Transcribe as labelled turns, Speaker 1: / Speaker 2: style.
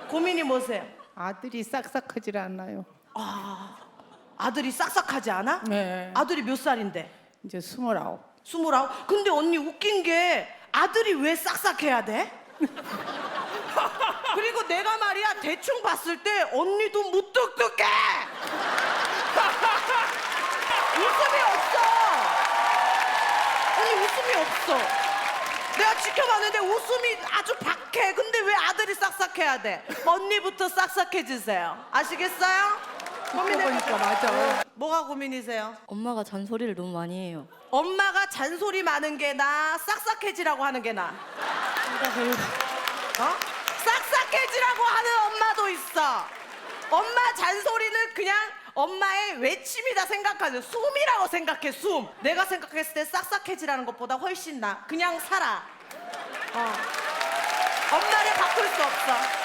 Speaker 1: 고민이 뭐세요?
Speaker 2: 아들이 싹싹하질 않아요.
Speaker 1: 아들이 싹싹하지 않아?
Speaker 2: 네.
Speaker 1: 아들이 몇 살인데?
Speaker 2: 이제 29.
Speaker 1: 29? 근데 언니 웃긴 게 아들이 왜 싹싹해야 돼? 그리고 내가 말이야 대충 봤을 때 언니도 무뚝뚝해. 웃음이 없어. 언니 웃음이 없어. 내가 지켜봤는데 웃음이 아주 박해. 근데 왜 아들이 싹싹해야 돼? 언니부터 싹싹해지세요. 아시겠어요?
Speaker 2: 보니까 맞아.
Speaker 1: 뭐가 고민이세요?
Speaker 3: 엄마가 잔소리를 너무 많이 해요.
Speaker 1: 엄마가 잔소리 많은 게 나, 싹싹해지라고 하는 게 나. 어? 싹싹해지라고 하는 엄마도 있어. 엄마 잔소리는 그냥 엄마의 외침이다 생각하죠. 숨이라고 생각해, 숨. 내가 생각했을 때 싹싹해지라는 것보다 훨씬 나. 그냥 살아. 엄마를 바꿀 수 없어.